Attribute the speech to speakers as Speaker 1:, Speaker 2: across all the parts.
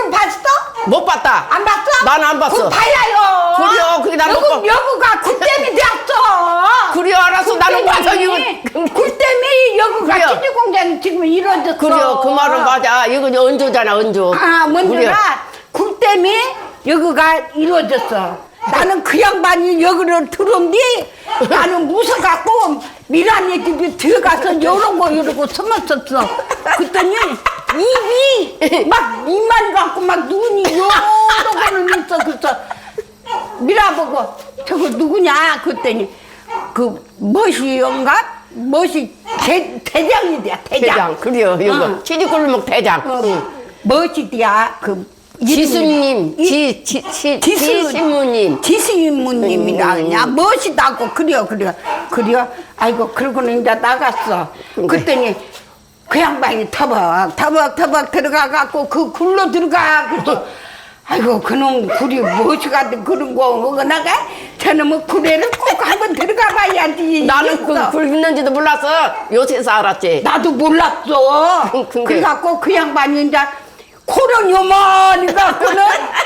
Speaker 1: 얼굴 봤어?
Speaker 2: 못 봤다.
Speaker 1: 안 봤어?
Speaker 2: 난 안 봤어.
Speaker 1: 그럼 봐야요.
Speaker 2: 그래요, 그게 나는 못 봐.
Speaker 1: 여구가 굴땜이 되었어.
Speaker 2: 그래요, 알았어. 나는 봐서 이거.
Speaker 1: 굴땜이 여구가
Speaker 2: 그래요.
Speaker 1: 치즈공장 지금 이루어졌어.
Speaker 2: 그래요, 그 말은 맞아. 이건 은조잖아, 은조.
Speaker 1: 아, 먼저가 굴땜이 여기가 이루어졌어. 나는 그 양반이 여기를 들어온뒤 나는 무서워갖고 미란이 집에 들어가서 이러고 숨었었어. 그랬더니 입이 막 입만 갖고 막 눈이 요러고는 있어. 그래서 미라보고 저거 누구냐 그랬더니 그 멋이인가? 멋이 대장이 돼야 대장.
Speaker 2: 그래요, 이거. 치즈골목 대장.
Speaker 1: 멋이디야 그
Speaker 2: 지수님, 지신무님.
Speaker 1: 지신무님이라 그냥 멋이다고 그래요. 아이고 그러고는 이제 나갔어. 그랬더니 그 양반이 터벅 들어가갖고 그 굴로 들어가. 그래서 아이고 그놈 굴이 무엇이 같은 그런 거 나가? 저놈의 굴에를 꼭 한번 들어가 봐야지.
Speaker 2: 나는 그 굴 있는지도 몰랐어. 요새서 알았지.
Speaker 1: 나도 몰랐어. 그래갖고 그 양반이 이제 코는 요만히 갖고는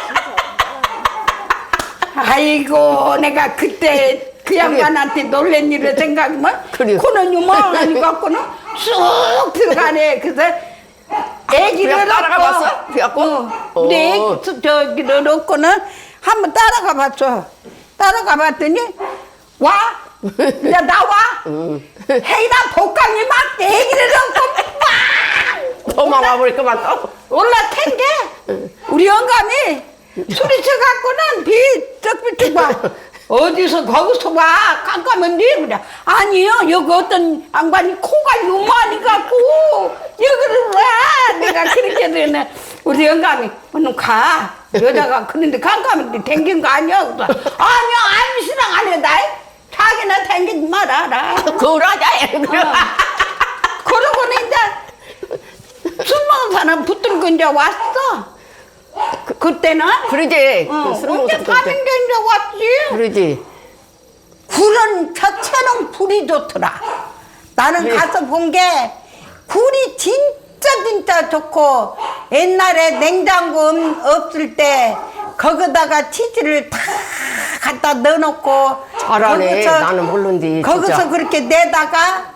Speaker 1: 아이고 내가 그때 그 양반한테 놀란 일을 생각하면 코는 요만히 갖고는 쑥 들어가네. 그래서 애기를
Speaker 2: 따라가봤어? 그래갖고?
Speaker 1: 우리 애기 저기를 놓고는 한번 따라가 봤어. 따라가 봤더니 와 이제 나와 해이나 복강이 막 애기를 놓고 막
Speaker 2: 도망가 버릴까만 또.
Speaker 1: 올라탄 게 우리 영감이 소리쳐갖고는 비쩍비쩍 봐. 어디서 거기서 봐 깜깜한데 그래. 아니요 여기 어떤 양반이 코가 요만히 갖고 여기를 와. 내가 그렇게 되네. 우리 영감이 너는 가 여자가 그런데 깜깜한데 댕긴 거 아니야? 그래서 아니요 암시랑 안 해. 나 자기나 댕기지 말아라.
Speaker 2: 그러자.
Speaker 1: 그러고는 이제 술 먹은 사람 붙들고 이제 왔어. 그때는?
Speaker 2: 그러지.
Speaker 1: 언제 사는 게 이제 왔지?
Speaker 2: 그러지.
Speaker 1: 굴은 자체는 굴이 좋더라. 나는
Speaker 2: 그래.
Speaker 1: 가서 본 게 굴이 진짜 좋고 옛날에 냉장고 없을 때 거기다가 치즈를 다 갖다 넣어놓고
Speaker 2: 잘하네. 나는 모르는데
Speaker 1: 거기서
Speaker 2: 진짜.
Speaker 1: 그렇게 내다가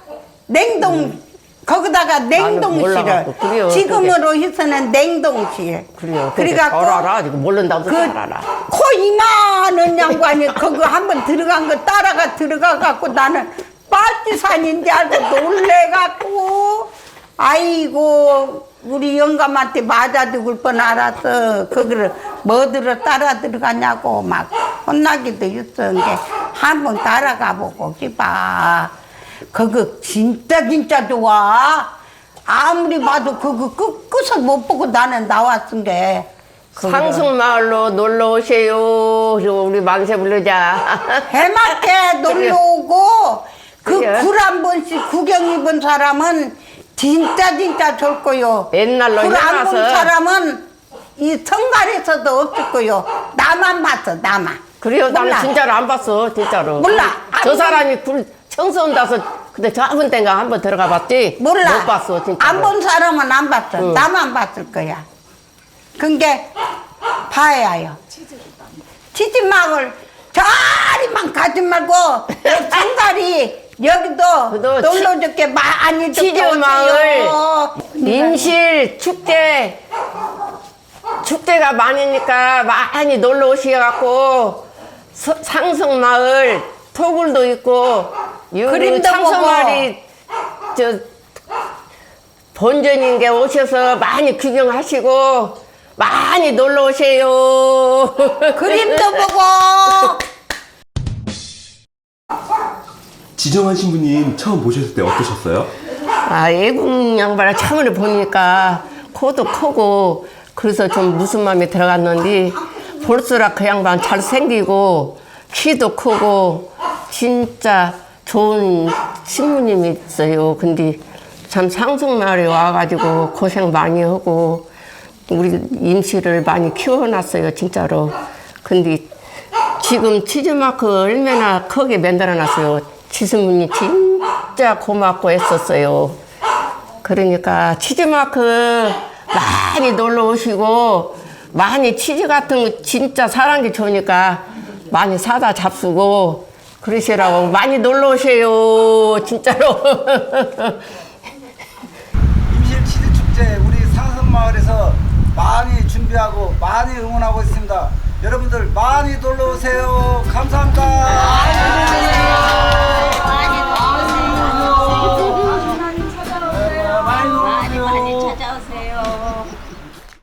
Speaker 1: 거기다가 냉동실을
Speaker 2: 그래요,
Speaker 1: 지금으로 해서는 냉동실.
Speaker 2: 그래요.
Speaker 1: 그래갖고
Speaker 2: 잘 알아. 이거 모른다고 잘 알아.
Speaker 1: 코 이만한 양반이 그거 한번 들어간 거 따라가 들어가갖고 나는 빨치산인지 알고 놀래갖고 아이고 우리 영감한테 맞아 죽을 뻔 알았어. 그거를 뭐들어 따라 들어가냐고 막 혼나기도 했었는데 한번 따라가 보고 싶어. 그거 진짜 좋아. 아무리 봐도 그거 끝을 못 보고 나는 나왔은 게.
Speaker 2: 상승마을로 놀러 오세요. 우리 만세 부르자.
Speaker 1: 해맑게 놀러 오고 그
Speaker 2: 그래.
Speaker 1: 굴 한 번씩 구경 입은 사람은 진짜 좋을 거요.
Speaker 2: 옛날로
Speaker 1: 굴 안 본
Speaker 2: 해놔서.
Speaker 1: 사람은 이 성갈에서도 없을 거요. 나만 봤어 나만.
Speaker 2: 그래요.
Speaker 1: 몰라.
Speaker 2: 나는 진짜로 안 봤어. 진짜로.
Speaker 1: 몰라.
Speaker 2: 저 사람이 굴 청소한다서 근데 저번 때인가 한번 들어가 봤지.
Speaker 1: 몰라.
Speaker 2: 못 봤어. 진짜.
Speaker 1: 안 본 사람은 안 봤어.
Speaker 2: 응.
Speaker 1: 나만 봤을 거야. 그게 봐야 해요. 치즈막을 저리만 가지 말고 성갈이 여기도
Speaker 2: 그래도
Speaker 1: 놀러 줄게 많이
Speaker 2: 치즈마을 임실 축제가 많으니까 많이 놀러 오셔갖고 상승마을 토굴도 있고
Speaker 1: 그림도
Speaker 2: 상승마을이 저 본전인 게 오셔서 많이 구경하시고 많이 놀러 오세요.
Speaker 1: 그림도 보고.
Speaker 3: 지정한 신부님 처음 보셨을 때 어떠셨어요?
Speaker 2: 아, 애국 양반을 처음에 보니까 코도 크고 그래서 좀 무슨 마음이 들어갔는데 볼수록 그 양반 잘생기고 키도 크고 진짜 좋은 신부님이 있어요. 근데 참 상승마을에 와가지고 고생 많이 하고 우리 임시를 많이 키워놨어요. 진짜로. 근데 지금 치즈마크 얼마나 크게 만들어놨어요. 지수문이 진짜 고맙고 했었어요. 그러니까 치즈마크 많이 놀러 오시고 많이 치즈 같은 거 진짜 사는 게 좋으니까 많이 사다 잡수고 그러시라고 많이 놀러 오세요. 진짜로.
Speaker 4: 임실 치즈 축제 우리 상성마을에서 많이 준비하고 많이 응원하고 있습니다. 여러분들 많이 놀러